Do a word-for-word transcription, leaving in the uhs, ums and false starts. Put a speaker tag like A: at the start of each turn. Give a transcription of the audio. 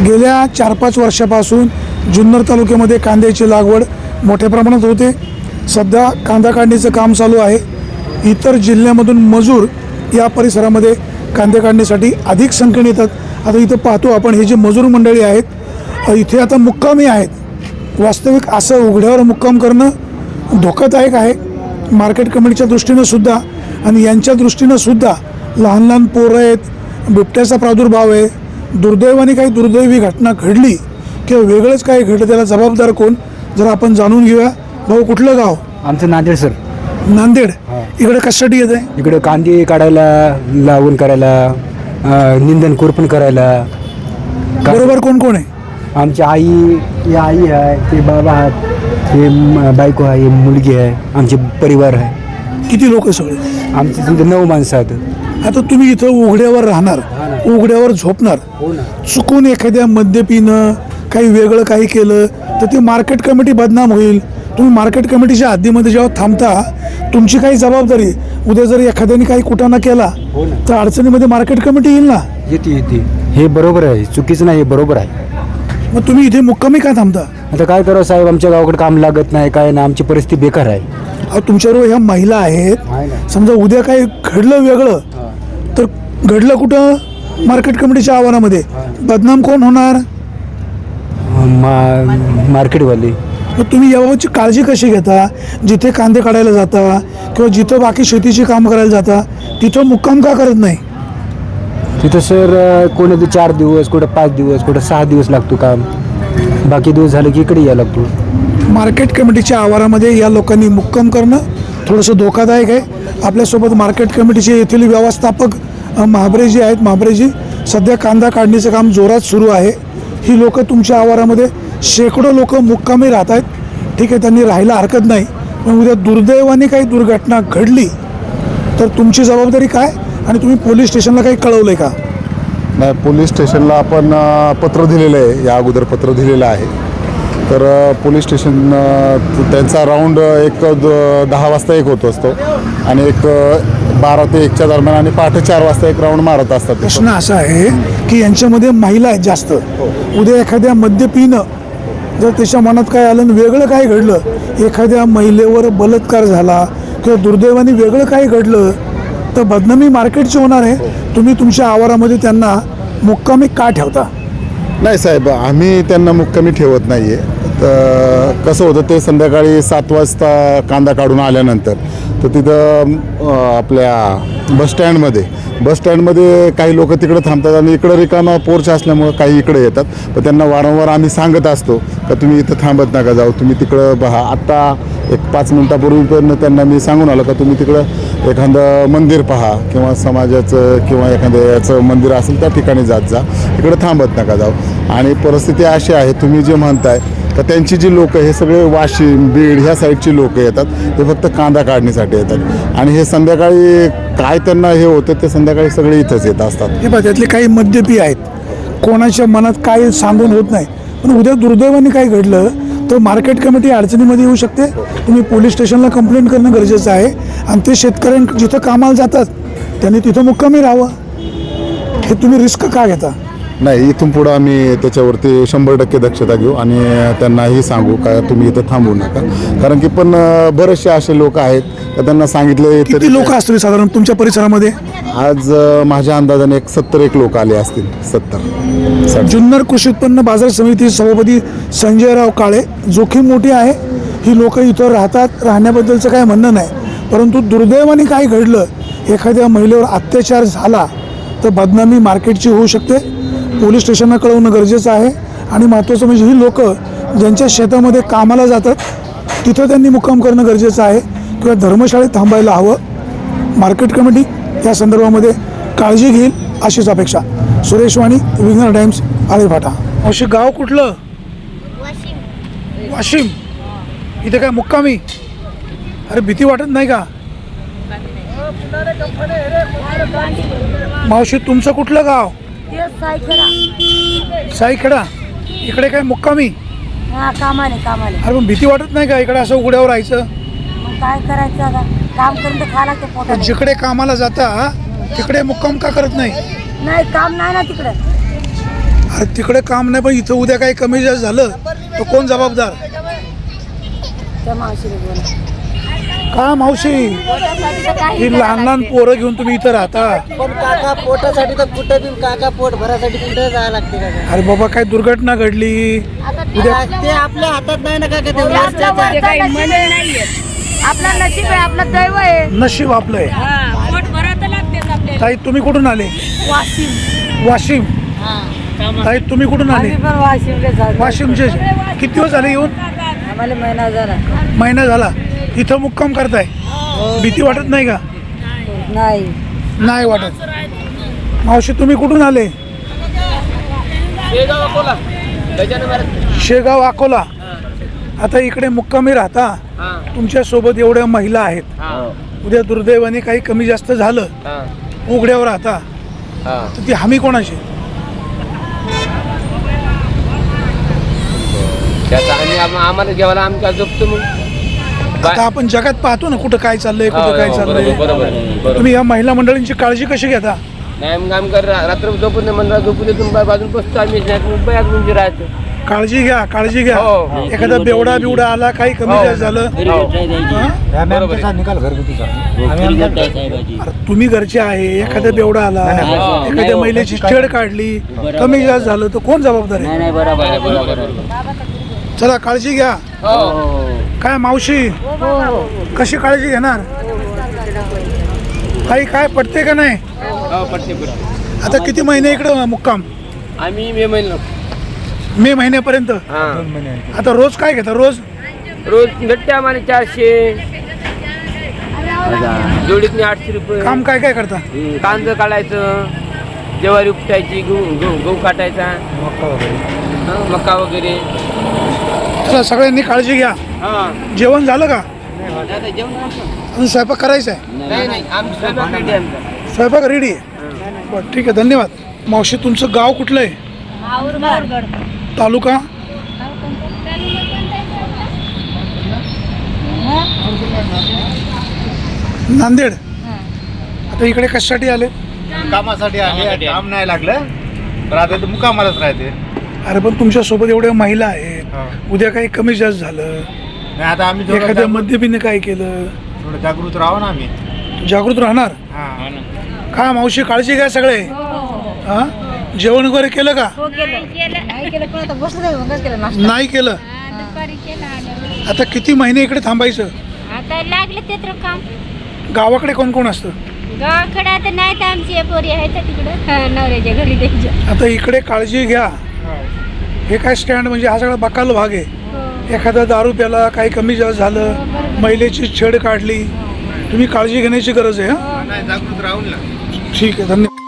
A: गेल्या चार पाच वर्षापासून जुन्नर तालुक्यामध्ये कांद्याची लागवड मोठ्या प्रमाणात होते. सध्या कांदा काढणीचं काम चालू आहे. इतर जिल्ह्यामधून मजूर या परिसरामध्ये कांदे काढण्यासाठी अधिक संख्येने येतात. आता इथं पाहतो आपण, हे जे मजूर मंडळी आहेत इथे आता मुक्कामी आहेत. वास्तविक असं उघड्यावर मुक्काम करणं धोकादायक आहे मार्केट कमिटीच्या दृष्टीनं सुद्धा, आणि यांच्या दृष्टीनं सुद्धा. लहान लहान पोरं आहेत, बिबट्याचा प्रादुर्भाव आहे. दुर्दैवाने काही दुर्दैवी घटना घडली किंवा वेगळंच काही घडलं, त्याला जबाबदार कोण जर आपण जाणून घेऊया. भाऊ, कुठलं गाव?
B: आमचं नांदेड सर.
A: नांदेड. इकडे कशासाठी येत आहे?
B: इकडे कांदे काढायला, लावून करायला, निंदन कोरपण करायला.
A: बरोबर कोण कोण आहे?
B: आमची आई, ही आई आहे, ते बाबा आहेत, हे म- बायको आहे, हे मुलगी आहे, आमचे परिवार आहे.
A: किती लोक सगळे?
B: आमचे समजा नऊ माणसं आहेत.
A: आता तुम्ही इथं उघड्यावर राहणार, उघड्यावर झोपणार. चुकून एखाद्या मद्यपीनं काही वेगळं काही केलं तर ती मार्केट कमिटी बदनाम होईल. तुम्ही मार्केट कमिटीच्या हद्दीमध्ये जेव्हा थांबता, तुमची काही जबाबदारी. उद्या जर एखाद्याने काही कुटाणा केला तर अडचणीमध्ये मार्केट कमिटी येईल ना.
B: येते येते हे बरोबर आहे, चुकीचं नाही, हे बरोबर आहे.
A: मग तुम्ही इथे मुक्कामी का थांबता?
B: आता काय करावं साहेब, आमच्या गावाकडे काम लागत नाही, काय ना, आमची परिस्थिती बेकार आहे.
A: अहो, तुमच्याबरोबर ह्या महिला आहेत. समजा उद्या काही घडलं वेगळं तर घडलं कुठं? मार्केट कमिटीच्या आव्हानामध्ये. बदनाम कोण होणार?
B: मा मार्केटवाले.
A: मग तुम्ही याबाबतची काळजी कशी घेता? जिथे कांदे काढायला जाता किंवा जिथं बाकी शेतीची काम करायला जाता तिथं मुक्काम का करत नाही?
B: तिथं सर कोणी चार दिवस, कुठं पाच दिवस, कुठं सहा दिवस लागतो काम. बाकी दिवस झाले की इकडे यायला लागतो.
A: मार्केट कमिटीच्या आवारामध्ये या लोकांनी मुक्काम करणं थोडंसं धोकादायक आहे. आपल्यासोबत मार्केट कमिटीचे येथील व्यवस्थापक अ, महाबरेजी आहेत. महाबरेजी, सध्या कांदा काढणीचं काम जोरात सुरू आहे. ही लोक तुमच्या आवारामध्ये शेकडो लोक मुक्कामी राहत आहेत. ठीक आहे, त्यांनी राहायला हरकत नाही, पण उद्या दुर्दैवाने काही दुर्घटना घडली तर तुमची जबाबदारी काय? आणि तुम्ही पोलीस स्टेशनला काही कळवलं आहे का?
C: नाही, पोलीस स्टेशनला आपण अ, पत्र दिलेलं आहे, या अगोदर पत्र दिलेलं आहे. तर अ, पोलीस स्टेशन अ, त्यांचा राऊंड एक द दहा वाजता एक होत असतो आणि एक अ, बारा ते एकच्या दरम्यान आणि पहाटे चार वाजता एक राऊंड मारत असतात.
A: प्रश्न असा आहे की यांच्यामध्ये महिला आहेत जास्त. उद्या एखाद्या मद्यपीनं जर त्याच्या मनात काय आलं आणि वेगळं काय घडलं, एखाद्या महिलेवर बलात्कार झाला किंवा दुर्दैवाने वेगळं काय घडलं तर बदनामी मार्केटची होणार आहे. तुम्ही तुमच्या आवारामध्ये त्यांना मुक्कामी का ठेवता?
C: नाही साहेब, आम्ही त्यांना मुक्कामी ठेवत नाही आहे. तर कसं होतं, ते संध्याकाळी सात वाजता कांदा काढून आल्यानंतर तर तिथं अ, आपल्या बसस्टँडमध्ये बसस्टँडमध्ये काही लोक तिकडं थांबतात आणि इकडं रिकामा पोर्च असल्यामुळं काही इकडे येतात. पण त्यांना वारंवार आम्ही सांगत असतो का तुम्ही इथं थांबत नका जाऊ, तुम्ही तिकडं पहा. आत्ता एक पाच मिनटापूर्वी पण त्यांना मी सांगून आलो का तुम्ही तिकडं एखादं मंदिर पहा किंवा समाजाचं किंवा एखाद्या याचं मंदिर असेल त्या ठिकाणी जात जा, इकडं थांबत नका जाऊ. आणि परिस्थिती अशी आहे, तुम्ही जे म्हणताय तर त्यांची जी लोकं हे सगळे वाशिम, बीड ह्या साईडची लोकं येतात, ते फक्त कांदा काढण्यासाठी येतात. आणि हे संध्याकाळी काय त्यांना हे होतं ते संध्याकाळी सगळे इथंच येत असतात.
A: हे बघा, त्यातले काही मद्यपी आहेत, कोणाच्या मनात काय सांगून होत नाही. पण उद्या दुर्दैवाने काय घडलं तर मार्केट कमिटी अडचणीमध्ये येऊ शकते. तुम्ही पोलीस स्टेशनला कंप्लेंट करणं गरजेचं आहे. आणि ते शेतकऱ्यां जिथं कामाला जातात त्यांनी तिथं मुक्कामी राहावं. हे तुम्ही रिस्क का घेता?
C: नाही, इथून पुढं आम्ही त्याच्यावरती शंभर टक्के दक्षता घेऊ आणि त्यांनाही सांगू का तुम्ही इथं थांबू नका. कारण की पण अ, बरेचसे असे लोक आहेत तर त्यांना सांगितले
A: किती लोक असतील साधारण तुमच्या परिसरामध्ये?
C: आज अ, माझ्या अंदाजाने एक सत्तर एक लोक आले असतील. सत्तर.
A: जुन्नर कृषी उत्पन्न बाजार समिती सभापती संजयराव काळे, जोखीम मोठी आहे. ही लोक इथं राहतात, राहण्याबद्दलचं काय म्हणणं नाही. परंतु दुर्दैवाने काय घडलं, एखाद्या महिलेवर अत्याचार झाला तर बदनामी मार्केटची होऊ शकते. पोलीस स्टेशनला कळवणं गरजेचं आहे. आणि महत्त्वाचं म्हणजे ही लोक ज्यांच्या शेतामध्ये कामाला जातात तिथं त्यांनी मुक्काम करणं गरजेचं आहे किंवा धर्मशाळेत थांबायला हवं. मार्केट कमिटी या संदर्भामध्ये काळजी घेईल अशीच अपेक्षा. सुरेश वाणी, विघ्नर टाइम्स, आळेफाटा. अवश्य गाव कुठलं? वाशिम. इथे काय मुक्कामी? अरे भीती वाटत नाही का? मावशी, तुमचं कुठलं गाव? साईखेडा. इकडे काय मुक्कामी?
D: हा, कामाने कामाने.
A: अरे पण भीती वाटत नाही का इकडे असं उघड्यावर राहायचं?
D: मग काय करायचं आता, काम करून तर खायला लागतं पोटाला.
A: जिकडे कामाला जाता तिकडे मुक्काम का करत नाही?
D: नाही, काम नाही ना तिकडे.
A: अरे तिकडे काम नाही, पण इथं उद्या काही कमी जास्त झालं तर कोण जबाबदार?
D: त्या मावशीने बोला.
A: का मावशी, ही लहान लहान पोरं घेऊन तुम्ही इथं राहता?
E: पण काका पोटासाठी तर कुठे बी काका पोट भरासाठी कुठे जायला लागते काका.
A: अरे बाबा, काय दुर्घटना घडली उद्या?
E: ते आपल्या हातात नाही ना काका, ते
D: आपलं
E: वरच्याच्या.
D: वरचं नशीब आहे. आपलं नशीब आहे, आपलं दैव आहे.
A: नशीब आपलंय.
D: पोट भरायला लागतेच आपल्याला.
A: ताई तुम्ही कुठून आले?
D: वाशिम.
A: वाशिम. ताई तुम्ही कुठून आले?
D: आम्ही पण वाशिमले जातो.
A: वाशिमचे. किती दिवस झाले येऊन?
D: आम्हाला महिना झाला.
A: महिना झाला. इथं मुक्काम करताय, भीती वाटत नाही का?
D: नाही.
A: नाही वाटत. मावशी तुम्ही कुठून आले? शेगाव अकोला. आता इकडे मुक्कामी राहता, तुमच्या सोबत एवढ्या महिला आहेत, उद्या दुर्दैवाने काही कमी जास्त झालं, उघड्यावर राहता, तर ती हमी कोणाची?
F: आम्हाला जेवायला आमच्या झोपतो मग.
A: आता आपण जगात पाहतो ना कुठं काय चाललंय, कुठं काय चाललंय.
F: बरोबर.
A: तुम्ही या महिला मंडळींची काळजी कशी घेता?
F: नाही मग आम्ही कर रात्र झोपून म्हणलं झोपून येतो बाजून बसतो आम्ही मुंबई आज म्हणजे राहतो.
A: काळजी घ्या, काळजी घ्या.
F: हो.
A: एखादा बेवडा बिवडा आला, काही कमी जास्त झालं, हा?
B: निकाल घरगुतीचा.
A: अरे तुम्ही घरचे आहे, एखादा बेवडा आला, एखाद्या महिलेची छेड काढली, कमी जास्त झालं तर कोण जबाबदार आहे? चला काळजी घ्या. काय मावशी, कशी काळजी घेणार? काही काय पटते का नाही?
F: पटते पटते.
A: आता किती महिने इकडं मुक्काम?
F: आम्ही मे महिना
A: मे महिन्यापर्यंत.
F: हा
A: आता रोज काय घेता? रोज
F: रोज भेटते आम्हाला चारशे, जोडीतनी आठशे रुपये.
A: काम काय काय करता?
F: कांदा काढायचं, ज्वारी उपटायची, गहू गहू गहू काटायचा, हा, मका वगैरे.
A: चला सगळ्यांनी काळजी घ्या.
F: हा
A: जेवण झालं का?
F: जेवण
A: अजून स्वयंपाक करायचा आहे?
F: नाही नाही आमचं स्वयंपाक रेडी आहे आमचा.
A: स्वयंपाक रेडी आहे. बरं ठीक आहे, धन्यवाद. मावशी तुमचं गाव कुठलं आहे? तालुका? नांदेड. आता इकडे कशासाठी आले?
G: कामासाठी आले. काम नाही लागलं तर आता तर मुकामालाच राहते.
A: अरे पण तुमच्या सोबत एवढ्या महिला आहेत, उद्या काही कमी जास्त झालं,
G: नाही आता आम्ही थोडं
A: एखाद्या
G: जागृत-
A: मद्यपीने काय केलं,
G: थोडं जागृत राहू ना आम्ही.
A: जागृत राहणार.
G: हा.
A: का मावशी, काळजी घ्या सगळे. हा, जेवण वगैरे केलं का?
D: नाही केलं पण आता बसलं नाही, मगच केलं नाश्ता.
A: नाही केलं. आता किती महिने इकडे थांबायचं?
H: आता लागलं ते तर काम.
A: गावाकडे कोण कोण असतं?
H: गावाकडे आता नाही तर आमची पोरी आहे तर तिकडं नवऱ्याच्या घरी द्यायच्या.
A: आता इकडे काळजी घ्या. हे काय स्टँड म्हणजे हा सगळा बकाल भाग आहे. एखादा दारू प्याला, काही कमी जास्त झालं, महिलेची छेड काढली, तुम्ही काळजी घेण्याची गरज आहे. हा
G: नाही जागृत राहून ना.
A: ठीक आहे, धन्यवाद.